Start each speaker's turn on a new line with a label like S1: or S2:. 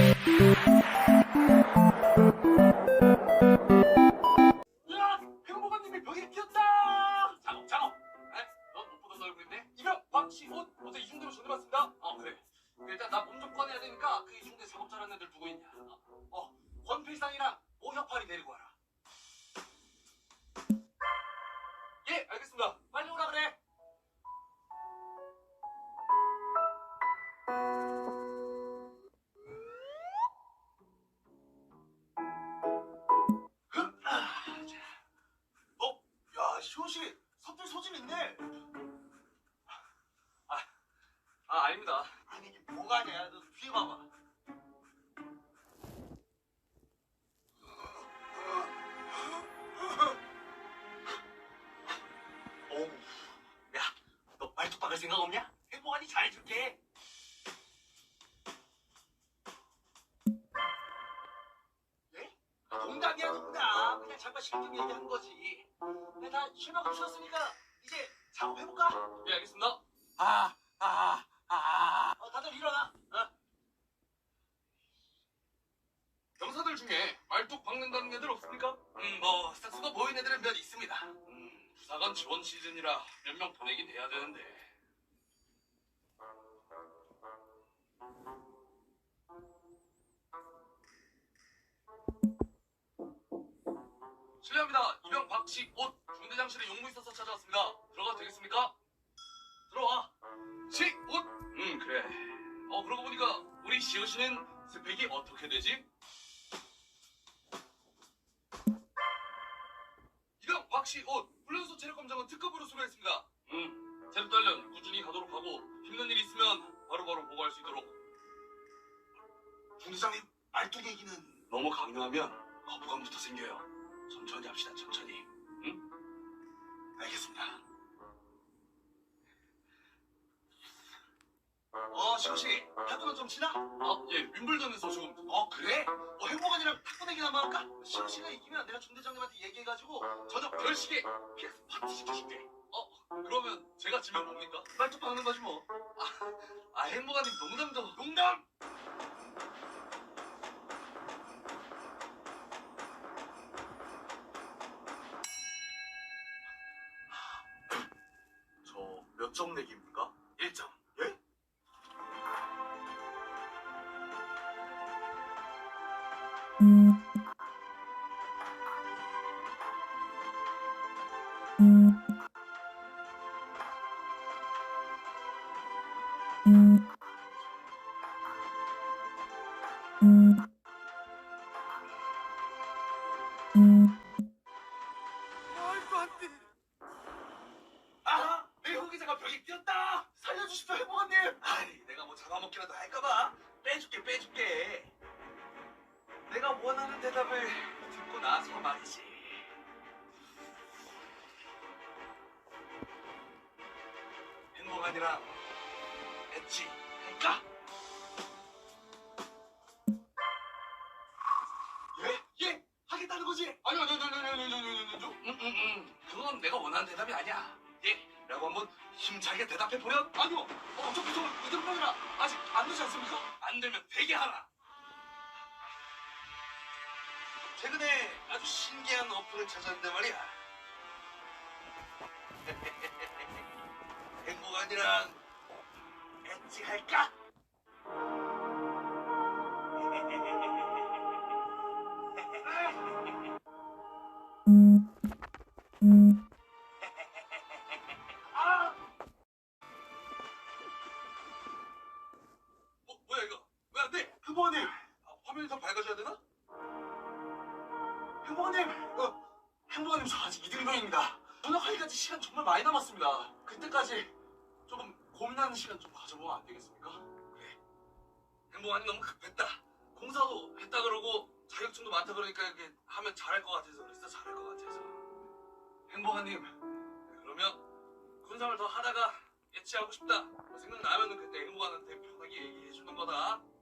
S1: 으악! 행복한님이 벽에 끼었다! 작업, 작업! 에? 넌 못 보던 얼굴인데? 이병, 박씨, 옷! 어제 이중대로 전해봤습니다. 그래. 일단 나 몸 좀 꺼내야 되니까 그 이중대 작업 잘하는 애들 누구 있냐? 권필상이랑 오혁팔이 데리고 와라. 예, 알겠습니다. 빨리 오라 그래. 자. 야, 시호씨, 섭들 소질 있네. 아닙니다. 아니, 이게 뭐가 아니야. 너 뒤에 봐봐. 어우, 야, 너 말뚝 박을 생각 없냐? 행복하니 잘해줄게. 예? 농담이야, 농담. 그냥 잠깐 실등 얘기한 거지. 근데 다 쉴만큼 쉬었으니까 이제 작업해볼까? 예, 알겠습니다. 다들 일어나. 병사들 중에 말뚝 박는다는 애들 없습니까? 스타수가 보이는 애들은 몇 있습니다. 부사관 지원 시즌이라 몇 명 보내긴 해야 되는데. 실례합니다. 이병 박씨 옷 중대장실에 용무 있어서 찾아왔습니다. 들어가도 되겠습니까? 들어와. 식 옷. 그래. 그러고 보니까 우리 시호 씨는 스펙이 어떻게 되지? 이병 박씨 옷 훈련소 체력 검정은 특급으로 수료했습니다. 체력 단련 꾸준히 가도록 하고 힘든 일 있으면 바로바로 보고할 수 있도록. 중대장님 말뚝 얘기는 너무 강요하면 거부감부터 생겨요. 천천히 합시다. 천천히. 응? 알겠습니다. 시호씨 탁구는 좀 치나? 예, 윈블던에서 조금. 그래? 행복한이랑 탁구 내기 한번 할까? 시호씨가 이기면 내가 중대장님한테 얘기해가지고 저녁 10시에 PS 파티 시켜줄게. 그러면 제가 지면 뭡니까? 말뚝 박는 거지 뭐. 행복한님 농담도. 농담! 저 몇 점 내기입니까? 1점. 예? 말도 안 돼. 내 후기자가 벽에 끼었다. 살려주십시오, 행복한님. 내가 뭐 잡아먹기라도 할까봐 빼줄게. 내가 원하는 대답을 듣고 나서 말이지. 행복한이랑 엣지 할까? 예? 하겠다는 거지? 아니요. 그건 내가 원하는 대답이 아니야. 예? 라고 한번 힘차게 대답해보렴? 아니요. 어차피 저 이등병이라 아직 안 되지 않습니까? 안 되면 되게 하라. 최근에 아주 신기한 어플을 찾았는데 말이야. 행복한이랑 엣지 할까? 뭐야 이거? 왜 안 돼? 행복한님! 화면이 더 밝아져야 되나? 행복한님! 행복한님 저 아직 이등병입니다. 전역하기까지 시간 정말 많이 남았습니다. 그때까지 조금 고민하는 시간 좀 가져보면 안 되겠습니까? 그래. 행복한님 너무 급했다. 공사도 했다 그러고 자격증도 많다 그러니까 이렇게 하면 잘할 것 같아서 그랬어. 잘할 것 같아서. 행복한님, 그러면 군생활 더 하다가 예치하고 싶다. 뭐 생각나면은 그때 행복한한테 편하게 얘기해 주는 거다.